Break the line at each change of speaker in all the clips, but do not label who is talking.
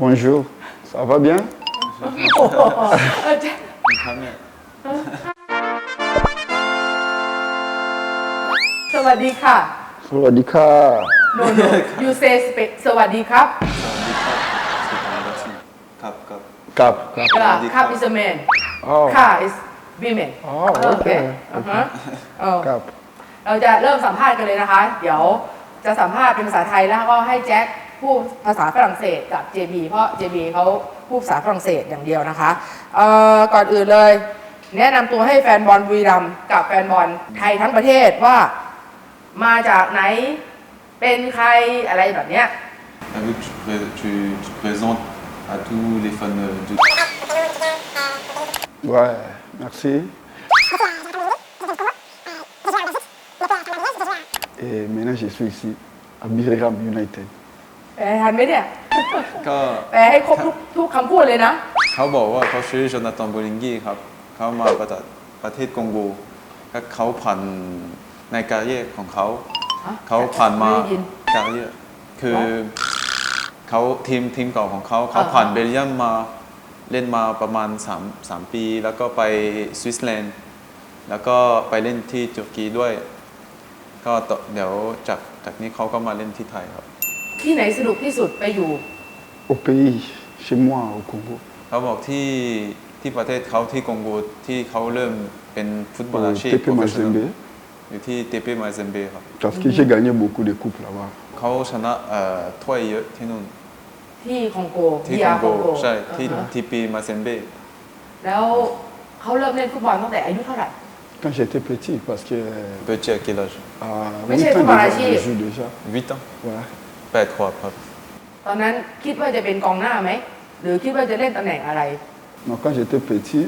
Bonjour, ça va bien?
สวัสดีค่ะ
Sawadika.
no you say สวัสดีครับ
ครับ
Cap.
ครับ is a man
Oh,
ค่ะ is women
okay.
ครับ
Cap.
เราจะเริ่มสัมภาษณ์กันเลยนะคะ เดี๋ยวจะสัมภาษณ์เป็นภาษาไทยแล้วก็ให้แจ็คพูดภาษาฝรั่งเศสกับ JB เพราะ JB เขาพูดภาษาฝรั่งเศสอย่างเดียวนะคะก่อนอื่นเลยแนะนำตัวให้แฟนบอลบุรีรัมย์กับแฟนบอลไทยทั้งประเทศว่ามาจากไหนเป็นใครอะไรแบบเนี้ย
Vu que tu te présentes à tous les fans de...
Ouais, merci. Et maintenant, je suis ici, à Birmingham United.
แปลทันไหมเนี่ย
ก็
แปลให้ครบทุกคำพูดเลยนะ
เขาบอกว่าเขาชื่อโจนาธานโบลิงกี้ครับเขามาจากประเทศคองโกก็เขาผ่านในการเย่ของเขา
ฮะ
เขาผ่านมา
ไม่ได้ยิน
การเย่คือเขาทีมเก่าของเขาผ่านเบลเยียมมาเล่นมาประมาณ3 ปีแล้วก็ไปสวิตเซอร์แลนด์แล้วก็ไปเล่นที่ตุรกีด้วยก็เดี๋ยวจากนี้เขาก็มาเล่นที่ไทยครับ
ที่ไหนสนุกที่สุดไปอยู่
Au pays, chez moi, au Congo.
เขาบอกที่ประเทศเขาที่คองโกที่เขาเริ่มเป็นฟุตบอล
Au
อาชีพ
TP Mazembe.
อยู่ที่เตเปมาเซมเบครับ
Parce que j'ai gagné beaucoup de coupes là-bas.
เขาชนะถ้วยเยอะที่นู่น
ที่คองโก
ที่
DR
คองโกใช่ที่
อ่าฮะ
ทีปีมาเซมเบ
แล้วเขาเริ่มเล่นฟุตบอลตั้งแต่อายุเท่าไหร่
Quand j'étais petit, parce que
เปิดเจอกี่ âge
à
Mais
8
c'est
ans
pas la
déjà, je
Chine.
joue déjà.
8 ans
Ouais.
8 ขวบครับ
ตอนนั้นคิดว่าจะเป็นกองหน้าไหม หรือคิดว่าจะเล่นตำแหน่งอะไร
Donc quand j'étais petit,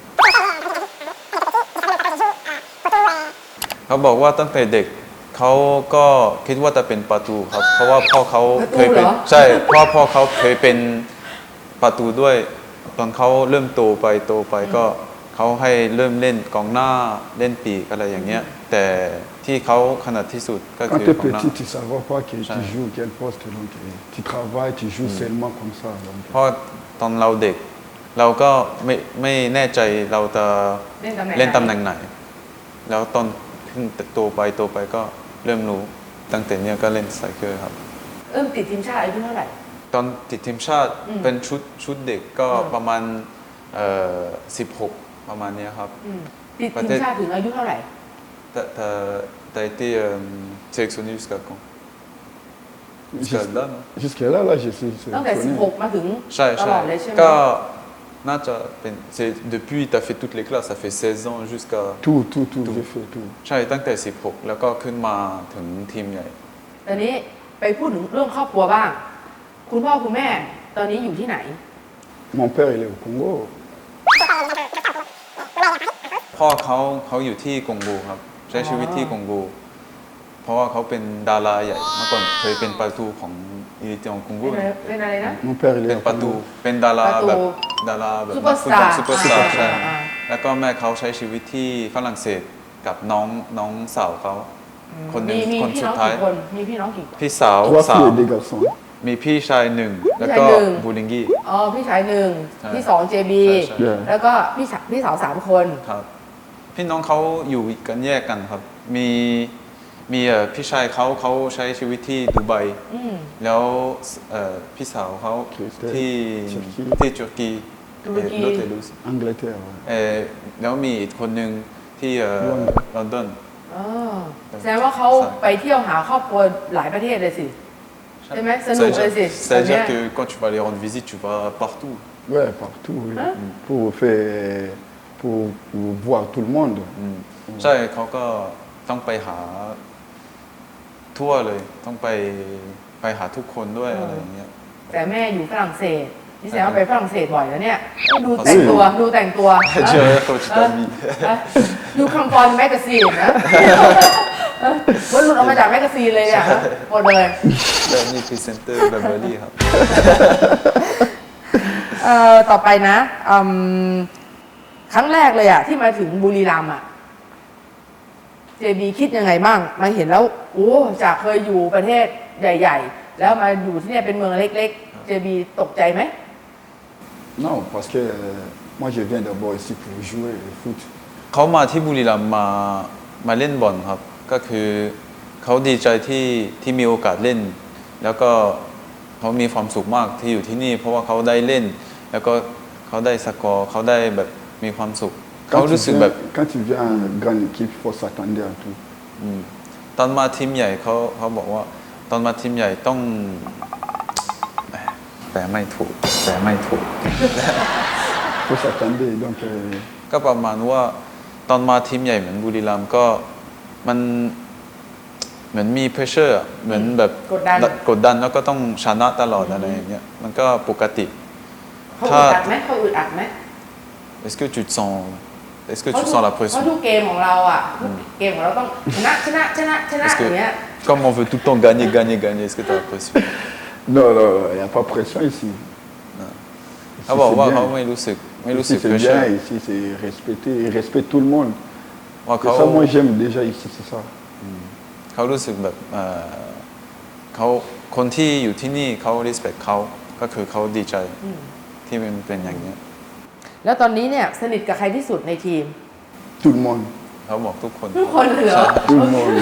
เขาบอกว่าตั้งแต่เด็กเขาก็คิดว่าจะเป็นประตูครับ เพราะว่าพ่อเขาเคยเป็น
ประตูเหรอ
ใช่เพราะพ่อเขาเคยเป็นประตูด้วยตอนเขาเริ่มโตไปก็เขาให้เริ่มเล่นกองหน้าเล่นปีกอะไรอย่างเงี้ยแต่ที่เขาขนาดที่สุดก็
quand
คือ
tu es
กองหน้า
petit, tu ne savais pas que tu
Ouais.
joues quel poste. Donc tu travailles, tu joues seulement comme ça. Donc,
เพราะตอนเราเด็ก เราก็ไม่แน่ใจเราจะ
เล่นตำแหน่ง
เล่นตำแหน่งไหน แล้วตอนขึ้นโตไปก็เริ่มรู้ตั้งแต่เนี้ยก็เล่นสไตรเกอร์ครับ
ติดทีมชาติอายุเท่าไหร่
ตอนติดทีมชาติเป็นชุดเด็กก็ประมาณ16ประมาณเนี้ยครับ
ติดทีมชาติถึงอายุเท่าไหร่
T'as été sélectionné jusqu'à quand Jusqu'à là, non
jusque-là, là, je suis
ตั้งแต่
sélectionné.
16 มาถึง
ใช่
ตลอดเลยใช่ไหม
ก็น่าจะเป็น depuis t'as fait toutes les classes ça fait 16 ans jusqu'à
Tout, j'ai fait tout.
ใช่ตั้งแต่16แล้วก็ขึ้นมาถึงทีมใหญ่
ตอนนี้ไปพูดถึงเรื่องครอบครัวบ้าง คุณพ่อคุณแม่ตอนนี้อยู่ที่ไหน
Mon père, il est au Congo.
พ่อเขาอยู่ที่คองโกครับใช้ชีวิตที่คองโกเพราะว่าเขาเป็นดาราใหญ่เมื่อก่อนเคยเป็นประตูของอีลิเตียงคองโก
เป็นอะไรนะ
Mon père, il
เป็
est
น
au
ประตู
Congo.
เป็นดารา
ประตู
แบบดาราแบบ
ซุปเปอร์สตาร์
ซุปเปอร์สตาร์ใช่
อ่า
แล้วก็แม่เขาใช้ชีวิตที่ฝรั่งเศสกับน้องสาวเขาคนหนึ่ง
มี
คน
พี่
สุ
น้
ด
อง
ท้าย
กี่คนมีพี่น้องกี่คน
พี่สาว
Trois filles et des garçons.
มีพี่ชายหนึ่งแล้วก็
พี่ชายหนึ่ง
บูลิงกี้
อ๋อพี่ชายหนึ่ง
ใช่
พี่สอง JB
ใช่
Yeah.
แล้วก็พี่สาว3 คน
ครับพี่น้องเขาอยู่กันแยกกันครับ มีพี่ชายเขาใช้ชีวิตที่ดูไบแล้วพี่สาวเขาที่ตุรกี
ตุรกี
โลเตลุส
Angleterre. Ouais.
แล้วมีอีกคนหนึ่งที่ลอนดอน
อ๋อแสดงว่าเขาไปเที่ยวหาครอบครัวหลายประเทศเลยสิ ใช่ไหมสนุกเลยสิ
C'est-à-dire que quand tu vas les rendre visite, tu vas partout.
Ouais, partout. Oui.
Hein?
Pour voir tout le monde.
ใช่เขาก็ต้องไปหาทั่วเลย ต้องไปหาทุกคนด้วยอะไรอย่างเงี้ย
แต่แม่อยู่ฝรั่งเศสนี่แสดงว่าไปฝรั่งเศสบ่อยแล้วเนี่ยดูแต่งตัว
เจอโคชตามี
ดูคัมฟอนแมกกาซีนนะว่าหลุดออกมาจากแมกกาซีนเลยเนี่ยหมดเลย
แล้วนี่พรีเซนเตอร์แบบเบอร์รี่ครับ
ต่อไปนะครั้งแรกเลยอะที่มาถึงบุรีรัมย์อะเจบีคิดยังไงบ้างมาเห็นแล้วโอ้จากเคยอยู่ประเทศใหญ่ ๆ แล้วมาอยู่ที่เนี่ยเป็นเมืองเล็กๆ JB ตกใจไหม
Non, parce que moi je viens d'abord ici pour jouer au foot.
เขามาที่บุรีรัมย์มาเล่นบอลครับ ก็คือเขาดีใจที่มีโอกาสเล่น แล้วก็เขามีความสุขมากที่อยู่ที่นี่ เพราะว่าเขาได้เล่น แล้วก็เขาได้สกอร์เขาได้แบบมีความสุข เขารู้สึกแบบ
Quand tu viens à une grande équipe, il faut s'attendre à tout.
ตอนมาทีมใหญ่เขาบอกว่า ตอนมาทีมใหญ่ต้องแปลไม่ถูก
Il faut s'attendre. Donc,
ก็ประมาณว่าตอนมาทีมใหญ่เหมือนบุรีรัมย์ก็มันเหมือนมี pressure อะเหมือนแบบ กดดันแล้วก็ต้องชนะตลอดอะไรอย่างเงี้ยมันก็ปกติ
เขาอึดอัดไหมเขาอึดอัดไหม
Est-ce que tu te sens la
เพราะ
pression
ทุกเกมของเราอ่ะทุกเกมของเราต้องชนะอ
Est-ce
ย่างเงี้ย
que comme on veut tout le temps gagner est-ce que tu as la pression
non, il n'y a pas de pression ici.
เขาบอกว่า
c'est
เขา
bien.
ไม่รู้สึก
Ici, c'est
pressure
bien, ici c'est respecté, ils respectent tout le monde.
ว่า
C'est
เขา
ça, moi j'aime déjà ici, c'est ça.
เขารู้สึกแบบเขาคนที่อยู่ที่นี่เขา respect เขาก็คือเขาดีใจที่มันเป็นอย่างเงี้ย
แล้วตอนนี้เนี่ยสนิทกับใครที่สุดในทีม
Tout le monde.
เขาบอกทุกคน
ทุกคนเลยเหรอ
Tout le monde.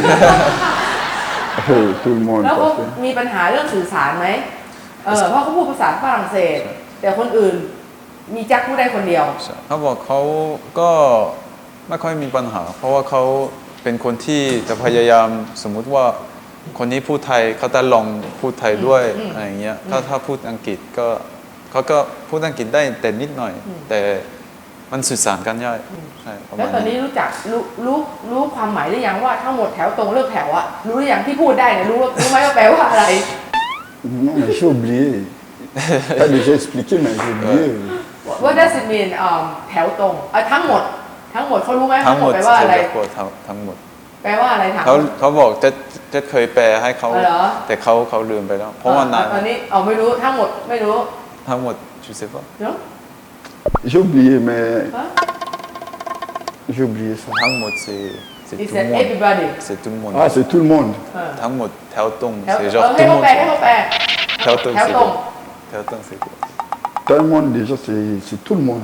Tout le monde.
แล้วเขา
parce que-
มีปัญหาเรื่องสื่อสารไหมเพราะเขาพูดภาษาฝรั่งเศส แต่คนอื่นมีแจ็คพูดได้คนเดียว
เขาบอกเขาก็ไม่ค่อยมีปัญหา เพราะว่าเขาเป็นคนที่จะพยายามสมมุติว่าคนนี้พูดไทยเขาจะลองพูดไทยด้วยอะไรอย่างเงี้ยถ้าพูดอังกฤษก็เขาก็พูดอังกฤษได้แต่นิดหน่อย แต่มันสื่อสารกันยากใช่ประ
แล้
มาว ณ
ตอนนี้
นี้
รู้จักรู้ความหมายหรือยังว่าทั้งหมดแถวตรงเลิกแถวอะรู้หรือยังที่พูดได้เนี่ยรู้ไหมว่าแปลว่าอะไร
Non, mais j'ai oublié. T'as déjà expliqué, mais j'ai oublié.
What does it mean แถวตรงทั้งหมดเขารู้ไหม
ทั้งหมด
แปลว่าอะไร
ทั้งหมด
แปลว่าอะไรถาม
เขาบอกจะเคยแปลให้เขา
เหรอ
แต่เขาลืมไปแล้ว เพราะว่านาน
ตอนนี้ไม่รู้ทั้งหมดไม่รู้
ทั้งหมด je sais pas
เนาะ
J'ai oublié, mais
ฮะ
j'ai oublié ça.
ทั้งหมด c'est
He
tout le
said
monde
everybody
c'est tout le monde
Ah, c'est tout le monde.
ทั้งหมดแถวตรง
แถว
c'est
ให้
genre tout le
เขา
monde
แปลให้เขาแปล
แถวตรง
แถว
c'est
ตรง
quoi แถวตรง c'est quoi
Tout le monde, déjà, c'est tout le monde.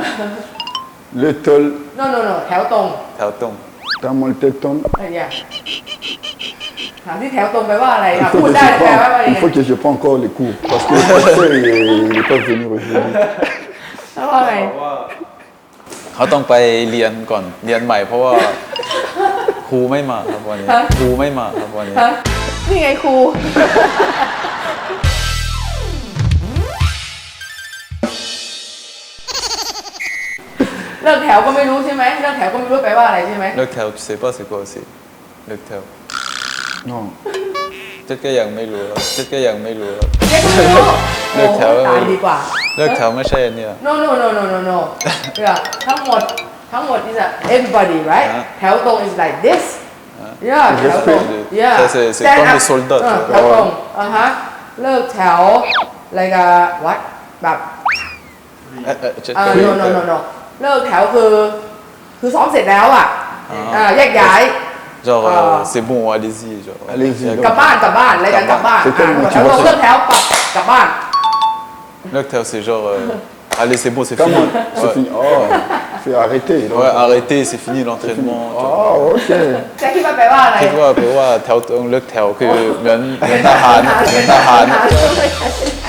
Le tol,
no แถวตรง
แถวตรง
t'as mon téton.
อย่าถามที่แถวตรงแปลว่าอะไร
Il
พู
faut
ด
que
ได้
je
แปลว่าอะไร
prends, il faut que je prends encore les cours. Parce que le professeur, il n'est pas venu aujourd'hui.
แปลว่าไง
เขาต้องไปเรียนก่อนเรียนใหม่เพราะว่าครูไม่มาครับวันนี้ครูไม่มาครับวันนี้
ฮะนี่ไงครู เลิกแถวก็ไม่รู้ใช่ไหมเลิกแถวก็ไม่รู้แปลว่าอะไรใช่ไหม
เลิกแถว tu sais pas c'est quoi aussi เลิกแถว
Non.
เจ๊ก็ยังไม่รู้แล้วเจ๊ก็ยังไม่รู้แล้ว
เจ๊ก็ไม่รู้
เลิกแถว
โอ้ตายดีกว่า
เลิกแถวไม่ใช่อันเนี่ย
no เนี่ยทั้งหมดis everybody right
ฮะ
แถวตรง is like this yeah แถวตรง yeah
c'est
Stand
comme
up
les soldats
แถวตรงเลิกแถวอะไรกันวัดแบบ no เลิกแถวคือซ้อมเสร็จแล้วอ่ะแยกย้าย
genre c'est bon allez-y genre
Allez-y,
กลับบ้านอะไรกันกลับบ้าน
C'est comme
แถวตรงเลิกแถวกลับบ้าน
เลิกแถว c'est genre allez c'est bon c'est fini
Comment C'est fini. Oh, c'est arrêté. donc.
ouais arrêtez c'est fini l'entraînement
Oh, ok.
แจ็คคิดว่าแปลว่าอะไร
คิดว่าแปลว่าแถวตรงเลิกแถวคือเหมือนทหาร
เป็นทหาร